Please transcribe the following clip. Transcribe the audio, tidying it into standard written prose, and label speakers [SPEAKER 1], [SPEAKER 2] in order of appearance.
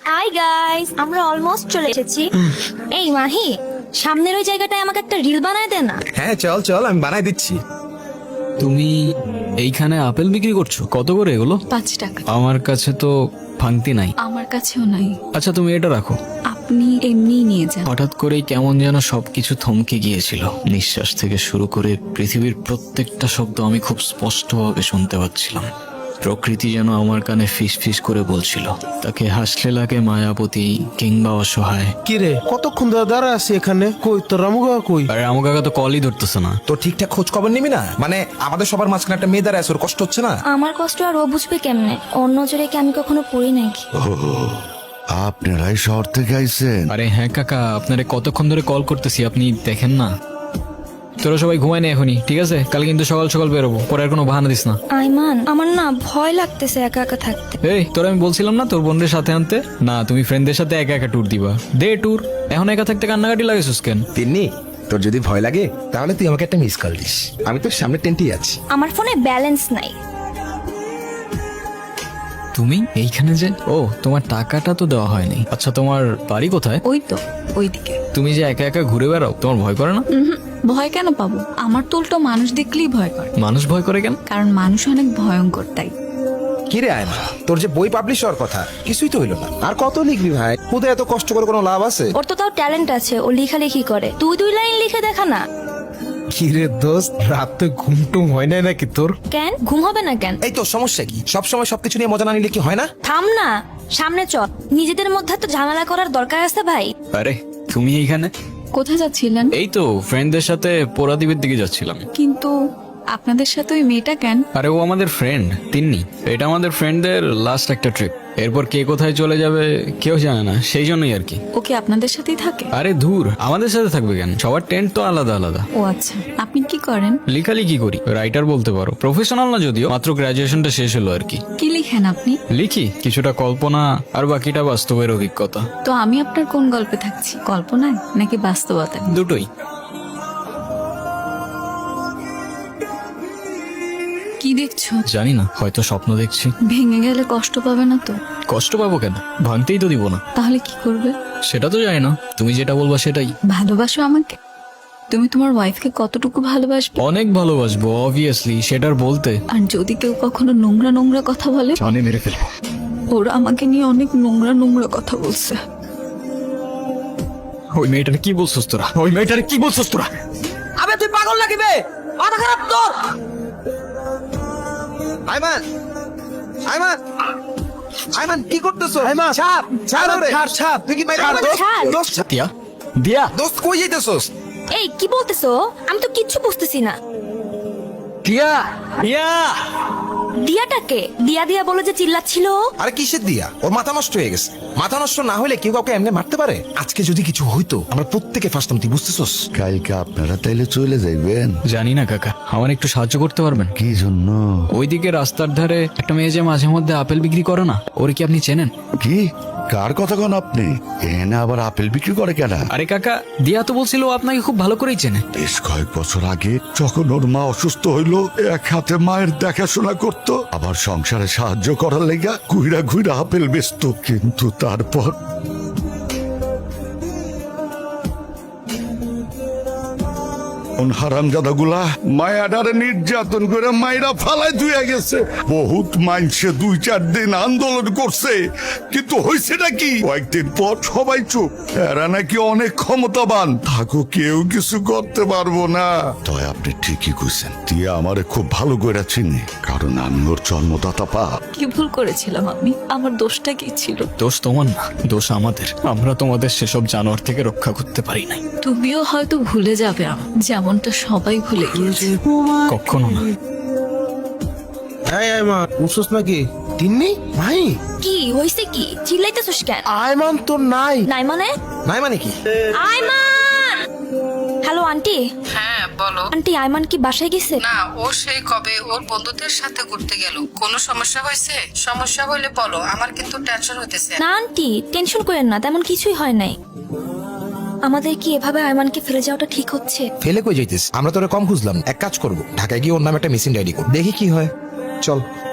[SPEAKER 1] Hi guys, আমরা almost চলে এসেছি। এই মাহি, সামনের ওই জায়গাটায় আমাকে একটা রিল বানায় দে না।
[SPEAKER 2] হ্যাঁ চল চল, আমি বানাই দিচ্ছি।
[SPEAKER 3] তুমি এইখানে আপেল বিক্রি করছো? কত করে এগুলো?
[SPEAKER 4] 5 টাকা।
[SPEAKER 3] আমার কাছে তো ভাঙতি নাই।
[SPEAKER 4] আমার কাছেও নাই।
[SPEAKER 3] আচ্ছা তুমি এটা রাখো।
[SPEAKER 4] আপনি এমনিই নিয়ে যান।
[SPEAKER 3] হঠাৎ করেই কেমন যেন সবকিছু থমকে গিয়েছিল। নিঃশ্বাস থেকে শুরু করে পৃথিবীর প্রত্যেকটা শব্দ আমি খুব স্পষ্টভাবে শুনতে পাচ্ছিলাম। প্রকৃতি যেন আমার কানে ফিস ফিস করে বলছিল, তাকে হাসলে লাগে মায়াবতী কিংবা অসহায়।
[SPEAKER 5] কি রে, কতক্ষণ ধরে দাঁড়া আছি এখানে? কই তোর রামুগা কই?
[SPEAKER 3] আরে আমার কাকা তো কলই ধরতেছে না।
[SPEAKER 2] তো ঠিকঠাক খোঁজ খবর নিবি না? মানে আমাদের সবার মাঝখানে একটা মেয়ে দাঁড়ায় আছে, ওর কষ্ট হচ্ছে না?
[SPEAKER 1] আমার কষ্ট আর ও বুঝবে কেমনে? ওর নজরে কি আমি কখনো পড়ি নাকি?
[SPEAKER 6] আপনারাই শহর থেকে আইছেন?
[SPEAKER 3] আরে হ্যাঁ কাকা, আপনারে কতক্ষণ ধরে কল করতেছি, আপনি দেখেন না? তোরা সবাই ঘুমায় না এখনই, ঠিক আছে? কাল কিন্তু সকাল সকাল বেরোবো, পরে আর কোনো বাহানা দিস না।
[SPEAKER 1] আইমান, আমার না ভয় লাগতেছে একা একা থাকতে।
[SPEAKER 3] এই তোর আমি বলছিলাম না তোর বোনদের সাথে আনতে? না, তুমি ফ্রেন্ডদের সাথে একা একা ট্যুর দিবা। দে ট্যুর। এখন একা থাকতে কান্নাকাটি লাগেছিস কেন?
[SPEAKER 2] তিন্নি, তোর যদি ভয় লাগে তাহলে তুই আমাকে একটা মিস কল দিস, আমি তোর সামনে টেন্টেই আছি।
[SPEAKER 1] আমার ফোনে ব্যালেন্স নাই।
[SPEAKER 3] তুমি এইখানে যে? ও, তোমার টাকাটা তো দেওয়া হয়নি। আচ্ছা তোমার বাড়ি কোথায়?
[SPEAKER 4] ওই তো ওইদিকে।
[SPEAKER 3] তুমি যে একা একা ঘুরে বেড়াও, তোমার ভয় করে না?
[SPEAKER 4] ভয় কেন পাবো? আমার তো উল্টো মানুষ দেখলেই ভয় করে।
[SPEAKER 3] মানুষ ভয় করে কেন?
[SPEAKER 4] কারণ মানুষ অনেক ভয়ঙ্কর, তাই।
[SPEAKER 2] কি রে আয়মা, তোর যে বই পাবলিশ হওয়ার কথা, কিছুই তো হইলো না। আর কত লিখবি ভাই? খুদে এত কষ্ট করে কোনো লাভ আছে?
[SPEAKER 1] ওর তো তাও ট্যালেন্ট আছে, ও লেখালেখি করে। তুই 2 লাইন লিখে দেখা না।
[SPEAKER 5] কি রে দোস্ত, রাত তো ঘুমটুম হয় নাই নাকি তোর?
[SPEAKER 1] কেন ঘুম হবে না কেন?
[SPEAKER 2] এই তোর সমস্যা কি? সবসময় সবকিছু নিয়ে মজা না নিলে কি হয় না?
[SPEAKER 1] থাম না, সামনে চল। নিজেদের মধ্যে তো ঝামেলা করার দরকার আছে ভাই।
[SPEAKER 3] আরে তুমি এইখানে?
[SPEAKER 4] কোথায় যাচ্ছিলেন?
[SPEAKER 3] এই তো ফ্রেন্ডদের সাথে পোড়াদ্বীপের দিকে যাচ্ছিলাম।
[SPEAKER 4] কিন্তু আপনাদের সাথে ওই মেয়েটা কেন?
[SPEAKER 3] আরে ও আমাদের ফ্রেন্ড তিন্নি। এটা আমাদের ফ্রেন্ডদের লাস্ট একটা ট্রিপ। এরপর কে কোথায় চলে যাবে কেউ জানে না, সেই জন্যই আর কি।
[SPEAKER 4] ও কি আপনাদের সাথেই থাকে?
[SPEAKER 3] আরে ধুর, আমাদের সাথে থাকবে কেন? সবার টেন্ট তো আলাদা আলাদা।
[SPEAKER 4] ও আচ্ছা, আপনি কি করেন?
[SPEAKER 3] লেখালেখি করি, রাইটার বলতে পারো। প্রফেশনাল না যদিও, মাত্র গ্রাজুয়েশনটা শেষ হলো আর কি।
[SPEAKER 4] কি লিখেন আপনি?
[SPEAKER 3] লিখি কিছুটা কল্পনা, আর বাকিটা বাস্তবের অভিজ্ঞতা।
[SPEAKER 4] তো আমি আপনার কোন গল্পে থাকছি, কল্পনায় নাকি বাস্তবতায়?
[SPEAKER 3] দুটোই।
[SPEAKER 4] কি দেখছো?
[SPEAKER 3] জানি না, হয়তো স্বপ্ন দেখছি।
[SPEAKER 4] ভেঙে গেলে কষ্ট পাবে না তো?
[SPEAKER 3] কষ্ট পাবো কেন? ভাঙতেই তো দিব না।
[SPEAKER 4] তাহলে কি করবে?
[SPEAKER 3] সেটা তো জানি না, তুমি যেটা বলবা সেটাই।
[SPEAKER 4] ভালোবাসো আমাকে? তুমি তোমার ওয়াইফকে কতটুকু ভালোবাসবে?
[SPEAKER 3] অনেক ভালোবাসবো অবভিয়াসলি, সেটার বলতে।
[SPEAKER 4] আর যদি কেউ কখনো নোংরা নোংরা কথা বলে?
[SPEAKER 3] জানে মেরে ফেলবো।
[SPEAKER 4] ওরা আমাকে নিয়ে অনেক নোংরা নোংরা কথা বলছে।
[SPEAKER 3] ওই মেয়েটারে কি বলছস তোরা? ওই মেয়েটারে কি বলছস তোরা?
[SPEAKER 7] আবে তুই পাগল নাকি বে? মাথা খারাপ তোর?
[SPEAKER 2] আয়মান, আয়মান, আয়মান কি করতেছো?
[SPEAKER 5] আয়মান,
[SPEAKER 2] ছাড়, ছাড় ওরে।
[SPEAKER 5] ছাড়, ছাড়।
[SPEAKER 2] তুই কি মাইরা
[SPEAKER 5] ছাড়,
[SPEAKER 2] ফেলবি?
[SPEAKER 1] ছাড়।
[SPEAKER 2] দোস্ত,
[SPEAKER 3] দিয়া দিয়া
[SPEAKER 2] দোস্ত কই যাইতেছস?
[SPEAKER 1] এই কি বলতেছো? আমি তো কিচ্ছু বুঝতেছি না।
[SPEAKER 3] দিয়া দিয়া
[SPEAKER 1] দিয়াটাকে দিয়া দিয়া বলে যে চিল্লাচ্ছিল।
[SPEAKER 2] আরে কিসের দিয়া? ওর মাথা নষ্ট হয়ে গেছে। মাথা নষ্ট না হলে কেউ কাউকে এমনি মারতে পারে? আজকে যদি কিছু হইতো আমরা প্রত্যেকে ফাঁসতাম, তুই বুঝতেছস?
[SPEAKER 6] কালকে আপনারা তাইলে চলে যাইবেন?
[SPEAKER 3] জানি না কাকা, আমার একটু সাহায্য করতে পারবেন?
[SPEAKER 6] কি জন্য?
[SPEAKER 3] ওইদিকে রাস্তার ধারে একটা মেয়ে যে মাঝে মধ্যে আপেল বিক্রি করে না, ওরে কি আপনি চেনেন?
[SPEAKER 6] কি কার কথা কন আপনি? এনে আবার আপেল বিক্রি করে কেনা?
[SPEAKER 3] আরে কাকা, দিয়া তো বলছিল ও আপনাকে খুব ভালো করেই চেনে।
[SPEAKER 6] বেশ কয়েক বছর আগে যখন ওর মা অসুস্থ হইল, এক হাতে মায়ের দেখাশোনা করত, আবার সংসারে সাহায্য করার লেগা ঘুইরা ঘুইরা আপেল বেচতো। কিন্তু তারপর হারামজাদাগুলা মায়াডারে নির্যাতন করে মায়েরা ফালাই ধুয়ে গেছে। বহুত মাইনসে 2-4 দিন আন্দোলন করছে, কিন্তু হয়েছেটা কি? কয়েকদিন পর সবাই চুপ। এরা নাকি অনেক ক্ষমতাবান, থাকো কেউ কিছু করতে পারবো না। তবে আপনি ঠিকই কইছেন, দিয়ে আমারে খুব ভালো করে চিনি, কারণ আমি ওর জন্মদাতা পা।
[SPEAKER 4] কি ভুল করেছিলাম আমি? আমার দোষটা কি ছিল?
[SPEAKER 3] দোষ তোমার না, দোষ আমাদের। আমরা তোমাদের সেসব জানোয়ার থেকে রক্ষা করতে পারি নাই।
[SPEAKER 4] তুমিও হয়তো ভুলে যাবে যেমনটা সবাই ভুলে গিয়েছে।
[SPEAKER 3] কখনো না।
[SPEAKER 5] এই আয়মান, উঠছস নাকি? তিন্নি ভাই,
[SPEAKER 1] কি হইছে? কি চিল্লাইতেছস কেন?
[SPEAKER 5] আয়মান তো নাই।
[SPEAKER 1] নাই মানে?
[SPEAKER 2] নাই মানে কি?
[SPEAKER 1] আইমান! Hello aunty.
[SPEAKER 8] হ্যাঁ বলো।
[SPEAKER 1] আন্টি, আইমান কি বাসায় গেছে?
[SPEAKER 8] না, ও সেই কবে ওর বন্ধুদের সাথে ঘুরতে গেল। কোনো সমস্যা হয়েছে? সমস্যা হইলে বলো, আমার কিন্তু টেনশন হইতেছে।
[SPEAKER 1] না আন্টি, টেনশন করেন না, তেমন কিছুই হয় নাই। আমাদের কি এভাবে আইমানকে ফেলে যাওয়াটা ঠিক হচ্ছে?
[SPEAKER 2] ফেলে কই যাইতিস? আমরা তোরে কম খুঁজলাম। এক কাজ করব, ঢাকায় গিয়ে ওর নামে একটা মিসিং ডায়েরি করব, দেখি কি হয়। চল।